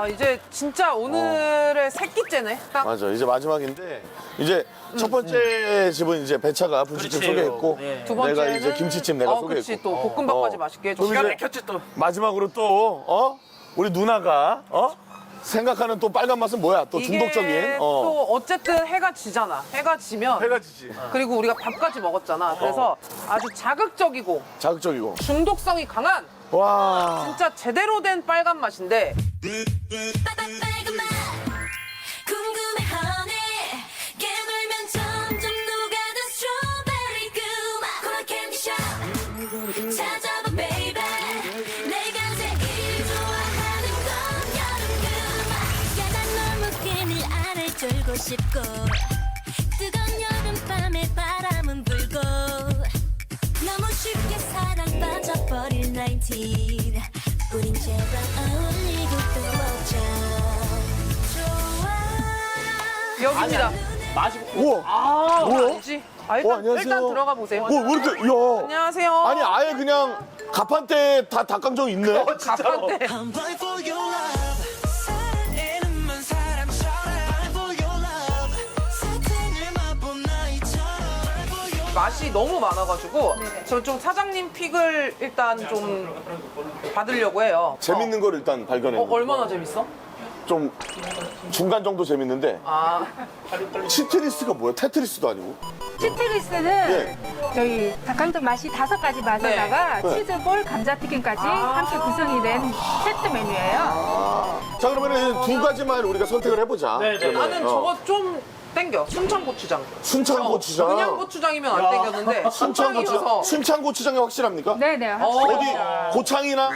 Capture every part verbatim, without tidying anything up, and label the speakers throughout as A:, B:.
A: 아 이제 진짜 오늘의 새끼째네. 딱.
B: 맞아. 이제 마지막인데 이제 첫 번째 집은 이제 배차가 분식집
C: 그렇지요.
B: 소개했고
C: 네.
A: 두
B: 내가
A: 번째는
B: 이제 김치찜 내가
A: 어,
B: 소개했고
A: 그치, 또 볶음밥까지
B: 어.
A: 맛있게
B: 그럼
A: 해줘.
B: 이제
C: 막혔지 또.
B: 마지막으로 또 어? 우리 누나가 어? 생각하는 또 빨간 맛은 뭐야? 또
A: 이게
B: 중독적인 어.
A: 또 어쨌든 해가 지잖아. 해가 지면
B: 해가 지지.
A: 그리고 우리가 밥까지 먹었잖아. 그래서 아주 자극적이고
B: 자극적이고.
A: 중독성이 강한
B: 와.
A: 진짜 제대로 된 빨간 맛인데
D: 빨간 맛 궁금해 honey 깨물면 점점 녹아든 스트로베리 그맛 코라 캔디샵 찾아봐 baby 내가 제일 좋아하는 건 여름 그맛 야단 너무 끈을 안을 졸고 싶고 뜨거운 여름밤에 바람은 불고 너무 쉽게 사랑 빠져버릴 나인틴 우린 제발 어울리고 또 어쩜 좋아
A: 여기입니다.
C: 맛이
B: 우와.
C: 아,
B: 뭐야?
A: 알지? 아, 일단,
B: 어, 안녕하세요.
A: 일단 들어가 보세요.
B: 뭐, 왜 이렇게, 야.
A: 안녕하세요.
B: 아니, 아예 그냥 가판대 다 닭강정 있네?
A: 가판대.
E: I'm blind for your love. 사랑에는 사람처럼 blind for your love. 사탕을 맛본 나이처럼
A: 맛이 너무 많아가지고 저 좀 사장님 픽을 일단 좀 받으려고 해요.
B: 재밌는 걸 일단
A: 어,
B: 발견했는데.
A: 어, 얼마나 재밌어?
B: 좀 중간 정도 재밌는데.
A: 아,
B: 치트리스가 뭐야? 테트리스도 아니고.
F: 치트리스는
B: 예.
F: 저희 닭강정 맛이 다섯 가지 맛에다가
B: 네.
F: 치즈볼, 감자튀김까지 함께 구성이 된 세트 메뉴예요.
B: 자, 그러면 두 가지만 우리가 선택을 해보자.
C: 네, 네.
B: 그러면,
A: 나는
B: 어.
A: 저거 좀 땡겨. 순창고추장.
B: 순창고추장.
A: 그냥 고추장이면 안 땡겼는데
B: 순창고추장.
A: 순창이어서
B: 순창고추장이 확실합니까?
F: 네네.
A: 어.
F: 확실히.
B: 어디 고창이나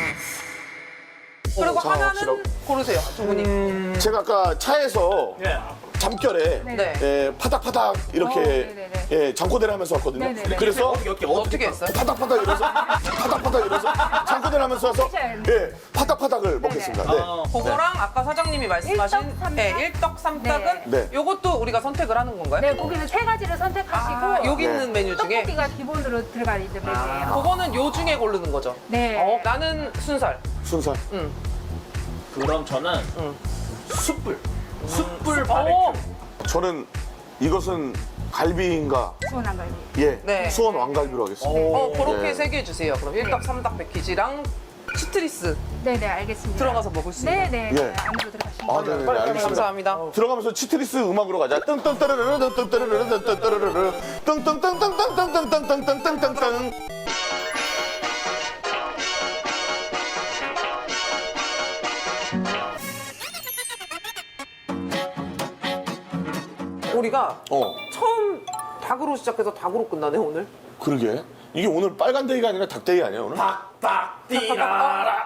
A: 그리고
B: 자,
A: 하나는
B: 확실하고.
A: 고르세요, 두 분이.
B: 제가 아까 차에서
C: 예.
B: 잠결에
A: 네.
B: 예, 파닥파닥 이렇게
F: 어, 네네네.
B: 예, 장코대를 하면서 왔거든요.
F: 네네네.
B: 그래서
C: 어떻게 어떻게
A: 어떻게 했어요?
B: 파닥파닥 이래서 파닥파닥 이래서 장코대를 하면서 와서 예, 파닥파닥을 먹겠습니다. 네.
C: 어.
A: 그거랑 아까 사장님이 말씀하신
F: 일떡삼떡?
A: 네, 일떡삼떡은
B: 네.
A: 요것도 우리가 선택을 하는 건가요?
F: 네, 고기는 세 가지를 선택하시고
A: 아, 여기
B: 네.
A: 있는 메뉴 중에
F: 떡볶이가 기본으로 들어가 있는 메뉴예요.
A: 그거는 요 중에 고르는 거죠?
F: 네.
A: 어, 나는 순살.
B: 순살.
A: 응.
C: 그럼 저는
A: 응.
C: 숯불. 숯불
A: 어,
C: 바베큐.
B: 저는 이것은 갈비인가?
F: 수원한 갈비.
B: 예,
A: 네.
B: 수원 왕갈비로 하겠습니다.
A: 어, 그렇게
B: 네.
A: 세 개 주세요. 그럼 일떡 삼닭 패키지랑 치트리스
F: 네네, 알겠습니다.
A: 들어가서 먹을 수 있는.
F: 네네.
B: 예.
F: 안으로 들어가시면
B: 아, 네, 네,
A: 빨리,
B: 알겠습니다.
A: 감사합니다.
B: 들어가면서 치트리스 음악으로 가자. 뜬뜬따르르르 뜬뜨르르르 뜬뜨르르르 뜬뜬뜬뜬뜬뜬뜬뜬뜬뜬뜬뜬.
A: 우리가
B: 어,
A: 처음 닭으로 시작해서 닭으로 끝나네 오늘.
B: 그러게. 이게 오늘 빨간 데이가 아니라 닭데이 아니야 오늘?
C: 닭닭 띠라라.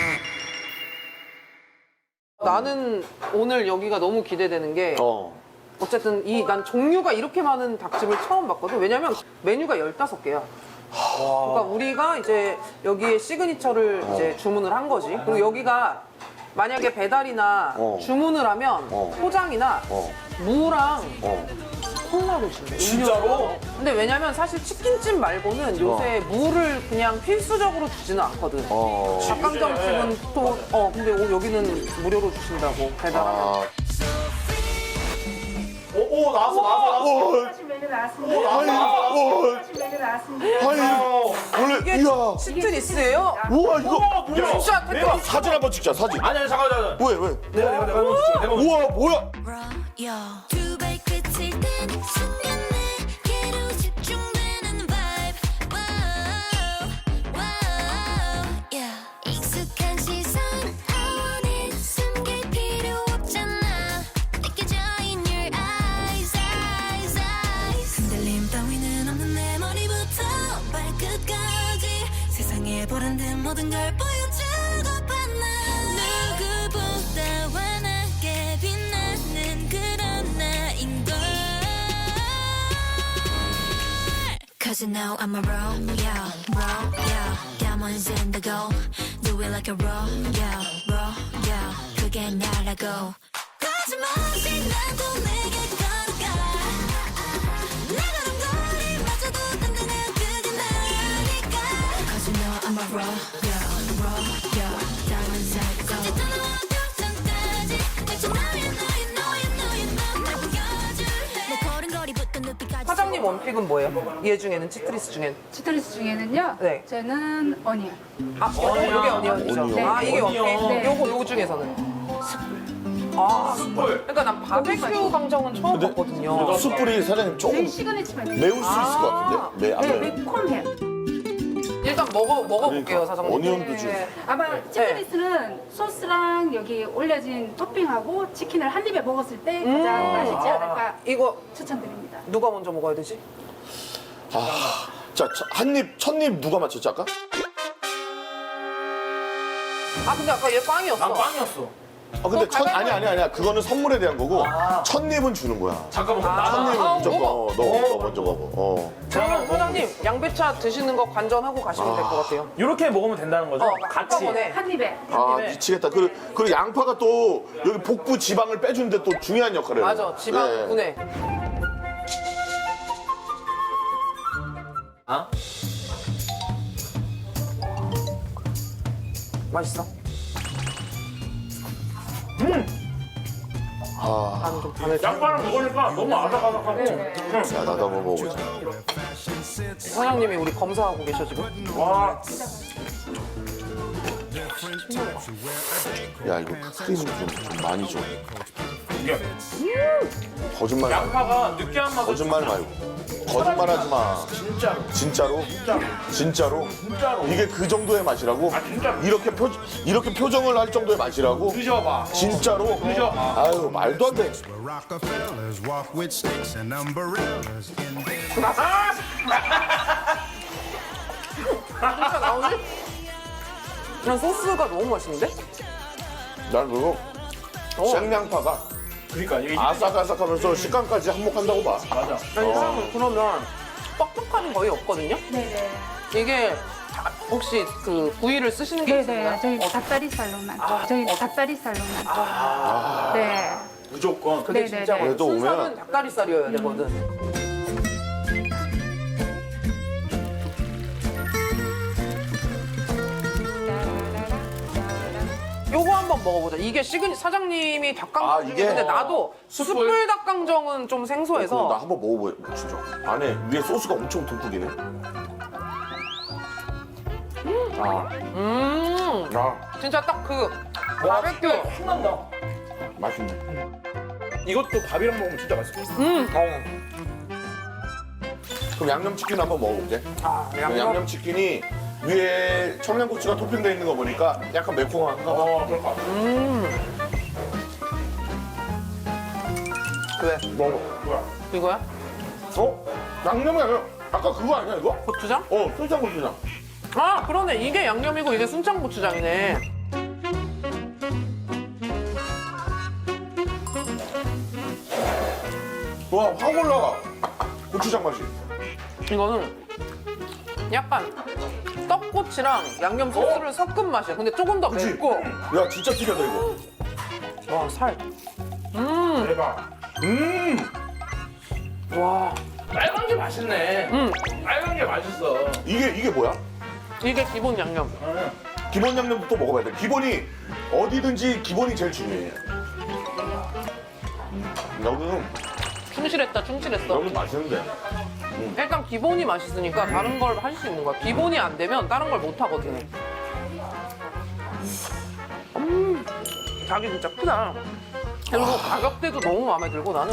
A: 나는 오늘 여기가 너무 기대되는 게
B: 어.
A: 어쨌든 이 난 종류가 이렇게 많은 닭집을 처음 봤거든. 왜냐면 메뉴가 열다섯 개야. 그러니까 우리가 이제 여기에 시그니처를 이제 주문을 한 거지. 그리고 여기가 만약에 배달이나
B: 어.
A: 주문을 하면
B: 어.
A: 포장이나
B: 어.
A: 무랑
B: 어.
A: 콜라를 준대.
C: 진짜로?
A: 근데 왜냐면 사실 치킨집 말고는 요새 무를 그냥 필수적으로 주지는 않거든.
B: 어.
A: 닭강정집은 또, 어, 근데 오- 여기는 무료로 주신다고, 배달하면.
B: 아.
C: 오, 오 나왔어 나왔어 나왔어.
B: 어.
F: 메뉴 나왔습니다.
B: 아니, 어.
F: 메뉴 나왔습니다.
B: 아니, 원래
A: 이게
B: 이야.
A: 치트리스예요?
B: 우와 이거.
C: 뭐야?
A: 진짜
C: 내가
A: 테트리스.
B: 사진 한번 찍자 사진.
C: 아니 아니 잠깐 잠깐.
B: 왜 왜?
C: 내가 내가 내가 먼저 찍어. 내가 먼저.
B: 우와 뭐야?
D: raw 두 발끝을 댄 순간 내게로 집중되는 vibe wow wow yeah 익숙한 시선 I want it 숨길 필요 없잖아 느껴져 in your eyes eyes eyes 흔들림 따위는 없는 내 머리부터 발끝까지 세상에 보란 듯 모든 걸 보여주고 봤나 누구보다 환하게 빛나는 그런 나인걸 Cause you know I'm a raw, yeah, raw, yeah diamonds in the gold Do it like a raw, yeah, raw, yeah 그게 나라고 거짓말없이 나도 내게 걸어가 내 걸음걸이마저도 단단해 그게 나니까 Cause you know I'm a raw, yeah, raw, yeah diamonds in the gold
A: 원픽은 뭐예요? 얘 중에는 치트리스 중엔.
F: 치트리스 중에는요.
A: 네.
F: 저는 어니언.
A: 아,
C: 어니언.
A: 이게 어니언이죠.
B: 어니언.
A: 아, 이게 원픽.
C: 어니언.
F: 네.
A: 요거 요 중에서는. 아,
C: 숯불.
A: 그러니까 난 바베큐 강정은 처음
B: 근데
A: 봤거든요.
B: 숯불이 사장님 조금
F: 제일 시그니처 메뉴.
B: 매울 수 있을 것 같은데? 매, 안
F: 네,
B: 매워요?
F: 매콤해요.
A: 일단 먹어 먹어볼게요,
B: 그러니까,
A: 사장님.
B: 어니언도 좀.
F: 네. 아마 치트리스는 소스랑 여기 올려진 토핑하고 치킨을 한 입에 먹었을 때 가장
A: 음.
F: 맛있지 않을까
A: 이거
F: 추천드립니다.
A: 누가 먼저 먹어야 되지?
B: 아, 자, 한 입, 첫 입 누가 맞췄지 아까?
A: 아, 근데 아까 얘 빵이었어.
C: 난 빵이었어.
B: 아, 근데
A: 그거
B: 첫,
A: 가위바위보
B: 아니, 아니, 아니야. 그거는 선물에 대한 거고,
C: 아.
B: 첫 입은 주는 거야.
C: 잠깐만.
A: 아.
C: 나
B: 첫 입은
A: 아,
B: 무조건,
A: 먹어.
B: 어, 너, 너 먼저 먹어. 어.
A: 그러면 사장님 양배차 드시는 거 관전하고 가시면 될 것 같아요.
C: 이렇게 먹으면 된다는 거죠?
A: 어,
C: 같이.
A: 한꺼번에.
F: 한 입에.
B: 아,
C: 입에.
B: 미치겠다. 그리고, 그리고 양파가 또 여기 복부 지방을 빼주는데 또 중요한 역할을 해요.
A: 맞아, 지방
B: 예.
A: 분해.
C: 아?
A: 맛있어?
B: 아,
A: 나는 좀 반을.
C: 양파랑 먹으니까 너무 아삭아삭하고.
F: 네.
C: 응.
B: 자, 나도 한번 먹어보자.
A: 사장님이 우리 검사하고 계셔 지금.
C: 와.
B: 야, 이거 크림 좀, 좀 많이 줘.
C: 이게
B: 거짓말 말고.
C: 양파가 느끼한 맛을.
B: 거짓말 말고. 거짓말 하지 마.
C: 진짜로.
B: 진짜로?
C: 진짜로.
B: 진짜로?
C: 진짜로.
B: 이게 그 정도의 맛이라고?
C: 아, 진짜로.
B: 이렇게 표, 이렇게 표정을 할 정도의 맛이라고?
C: 드셔봐.
B: 진짜로?
C: 그죠?
B: 아유, 말도 안 돼.
G: Rockefellers walk with sticks and umbrellas in their
A: 진짜 나오지? 난 소스가 너무 맛있는데?
B: 난 그거
A: 어.
B: 생양파가
C: 그러니까 이게
B: 아삭아삭하면서 식감까지 한몫한다고 봐.
C: 맞아.
A: 아니 사람은 그러면 뻑뻑함이 거의 없거든요?
F: 네네.
A: 이게 다- 혹시 그 부위를 쓰시는 게
F: 네네.
A: 있나요?
F: 저희 닭다리살로만. 저희 닭다리살로만. 네.
C: 무조건.
A: 그게
F: 네네네.
A: 진짜
B: 그래도
A: 순살은
B: 오면-
A: 닭다리살이어야 되거든. 요거 한번 먹어보자. 이게 시그니 사장님이 닭강정
B: 아,
A: 중에
B: 이게?
A: 근데 나도
C: 숯불?
A: 숯불 닭강정은 좀
B: 그럼 나
A: 생소해서
B: 한번 먹어봐. 진짜. 안에 위에 소스가 엄청 듬뿍이네. 아,
A: 음
B: 아,
A: 진짜 딱 그
C: 와,
A: 바베큐.
C: 신난다.
B: 맛있네.
C: 이것도 밥이랑 먹으면 진짜 맛있어.
A: 음.
B: 그럼 양념치킨 한번 먹어볼게.
A: 아, 양념.
B: 양념치킨이 위에 청양고추가 토핑되어 있는 거 보니까 약간 매콤한가 봐.
C: 어, 그럴까.
A: 그래.
B: 먹어.
C: 뭐야?
A: 이거야?
B: 어? 양념이 아니야. 아까 그거 아니야, 이거?
A: 고추장?
B: 어, 순창고추장.
A: 아 그러네. 이게 양념이고 이게 순창고추장이네.
B: 와, 확 올라가. 고추장 맛이.
A: 이거는 약간 떡꼬치랑 양념 소스를 섞은 맛이야. 근데 조금 더
B: 그치?
A: 맵고.
B: 야, 진짜 특이하다, 이거.
A: 와 살.
C: 대박.
B: 음!
A: 와
C: 빨간 게 맛있네.
A: 음.
C: 빨간 게 맛있어.
B: 이게, 이게 뭐야?
A: 이게 기본 양념.
B: 기본 양념도 또 먹어봐야 돼. 기본이 어디든지 기본이 제일 중요해. 여기는,
A: 충실했다 충실했어.
B: 여기는 맛있는데.
A: 일단 기본이 맛있으니까 다른 걸 할 수 있는 거야. 기본이 안 되면 다른 걸 못 하거든. 음, 자기 진짜 크다. 그리고 가격대도 너무 마음에 들고 나는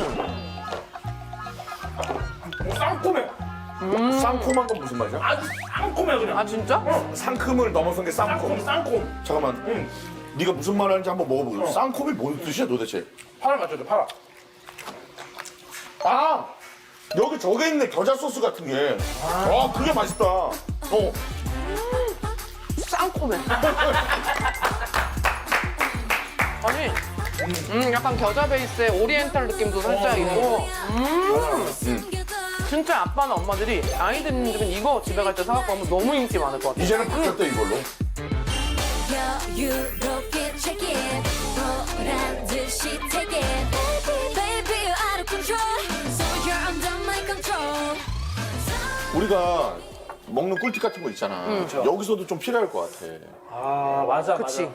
C: 어, 쌍콤해.
B: 쌍콤한 건 무슨 맛이야?
C: 아주 쌍콤해 그냥.
A: 아 진짜?
B: 상큼을 넘어선 게 쌍콤.
C: 쌍콤, 쌍콤.
B: 잠깐만.
C: 응.
B: 네가 무슨 말 하는지 한번 먹어보자. 쌍콤이 뭔 뜻이야 도대체?
C: 파를 맞춰줘, 파라.
B: 아! 여기 저게 있네. 겨자 소스 같은 게. 아, 그게 맛있다. 어.
A: 쌍콤해. 아니, 음, 약간 겨자 베이스의 오리엔탈 느낌도 살짝 있고, 음, 진짜 아빠나 엄마들이 아이들은 이거 집에 갈 때 사갖고 하면 너무 인기 많을 것 같아.
B: 이제는 바뀌었대 이걸로.
D: 여유롭게 check it 보란 듯이 take it Baby you're out of control So you're under my control
B: 우리가 먹는 꿀팁 같은 거 있잖아. 여기서도 좀 필요할 것 같아.
C: 아, 맞아,
A: 그치.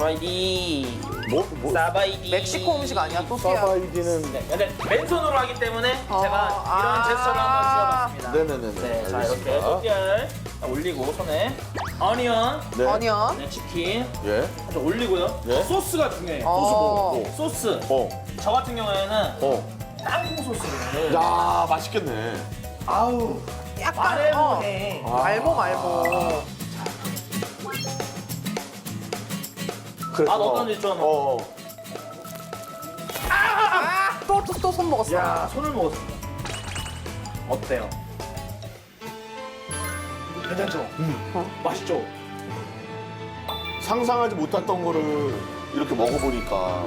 C: 사바이디.
B: 뭐, 뭐,
C: 사바이디.
A: 멕시코 음식 아니야, 또띠아?
B: 사바이디는.
C: 네, 근데 맨손으로 하기 때문에 제가
A: 아.
C: 이런 제스처를 한번 지어봤습니다.
B: 네네네네.
C: 네, 자 이렇게
B: 알겠습니다.
C: 또띠아를 올리고 손에 어니언,
B: 네.
A: 어니언.
C: 네, 치킨
B: 예.
C: 아주 올리고요.
B: 네.
C: 소스가 중요해요.
A: 어.
C: 소스 뭐? 소스.
B: 어.
C: 저 같은 경우에는
B: 어.
C: 땅콩 소스를.
B: 야, 맛있겠네.
C: 아우.
A: 약간,
C: 말해
A: 어.
C: 뭐해.
A: 말모, 말모.
B: 그래,
C: 아, 어떤지 좀.
B: 어. 어.
A: 아, 또, 또, 또 손 먹었어.
C: 야, 손을 먹었습니다. 어때요? 괜찮죠? 음. 맛있죠?
B: 상상하지 못했던 거를 이렇게 먹어보니까.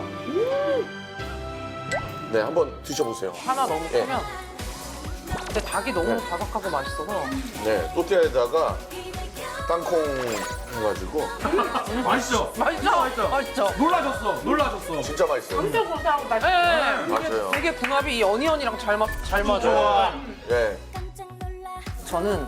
B: 네, 한번 드셔보세요.
A: 하나 너무
B: 네.
A: 크면. 근데 닭이 너무
B: 네.
A: 바삭하고 맛있어서.
B: 네, 또띠아에다가 땅콩 해가지고
C: 맛있죠?
A: 맛있죠? 맛있죠? 맛있죠?
C: 놀라셨어, 놀라셨어.
B: 진짜 맛있어요.
F: 엄청 고소하고 맛있어.
A: 네.
B: 맞아요.
A: 되게 궁합이 이 어니언이랑 잘, 맞, 잘 맞아요.
C: 좋아.
B: 네.
A: 저는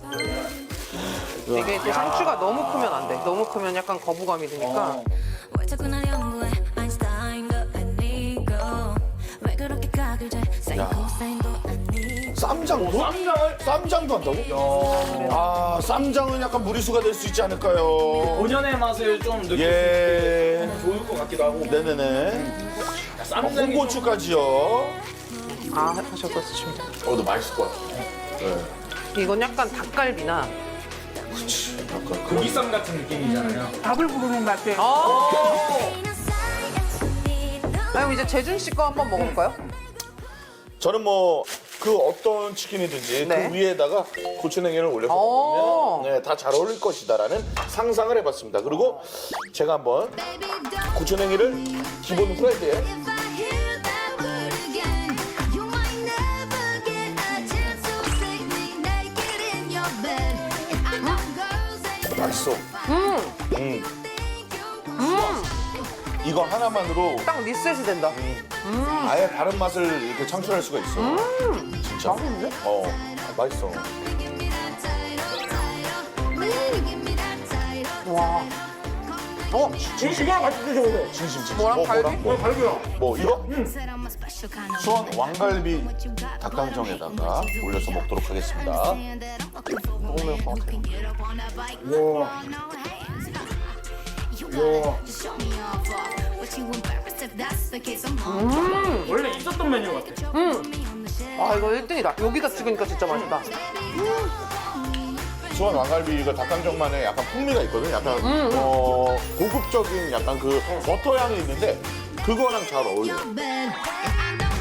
A: 이게 또 상추가 너무 크면 안 돼. 너무 크면 약간 거부감이 드니까.
D: 왜 자꾸 날 연구해 아인슈타인도 아니고 왜 그렇게 각을 재 사이코 사인도 아니고
B: 쌈장도?
C: 쌈장을
B: 쌈장도 한다고? 아, 쌈장은 약간 무리수가 될 수 있지 않을까요?
C: 본연의 맛을 좀 느낄
B: 예.
C: 수 좋을 것 같기도 하고.
B: 네네네. 어,
C: 쌈장이
B: 홍고추까지요.
A: 아, 하셔서 드시면 돼요.
B: 어, 너 맛있을 것 같아. 네.
A: 이건 약간 닭갈비나.
B: 약간
C: 고기쌈 같은 느낌이잖아요.
F: 밥을 부르는 맛이에요.
A: 아. 그럼 이제 재준 씨 거 한번 먹어볼까요?
B: 저는 뭐 그 어떤 치킨이든지
A: 네.
B: 그 위에다가 고추냉이를 올려서
A: 오.
B: 먹으면 네, 다 잘 어울릴 것이다라는 상상을 해봤습니다. 그리고 제가 한번 고추냉이를 기본 후라이드에
D: If I hear that word again, you might never get a chance to see me naked in your bed. I know girls ain't
B: 맛있어.
A: 음,
B: 음. 이거 하나만으로
A: 딱 리셋이 된다.
B: 아예 다른 맛을 이렇게 창출할 수가 있어. 진짜.
A: 맛있는데?
B: 어, 맛있어.
A: 와. 어,
C: 진심아 같이 드셔보세요.
B: 진심 진심.
A: 뭐랑
B: 뭐,
A: 갈비?
B: 뭐랑 뭐,
C: 갈비요.
B: 뭐 이거?
D: said I'm a special kind of
B: 수원 왕갈비 닭강정에다가 올려서 먹도록 하겠습니다.
D: man that I'm looking for.
A: 먹으면 것 같아요.
D: Get up on that bike,
C: 와.
D: no hands. You gotta just show me off. But you embarrassed if that's the case. I'm on.
C: 원래 있었던 메뉴 같아.
A: 아, 이거 일 등이다. 여기다 찍으니까 진짜 맛있다.
B: 수원 왕갈비가 닭강정만의 약간 풍미가 있거든. 약간 어, 고급적인 약간 그 버터 향이 있는데 그거랑 잘 어울려.
D: Bed. And I know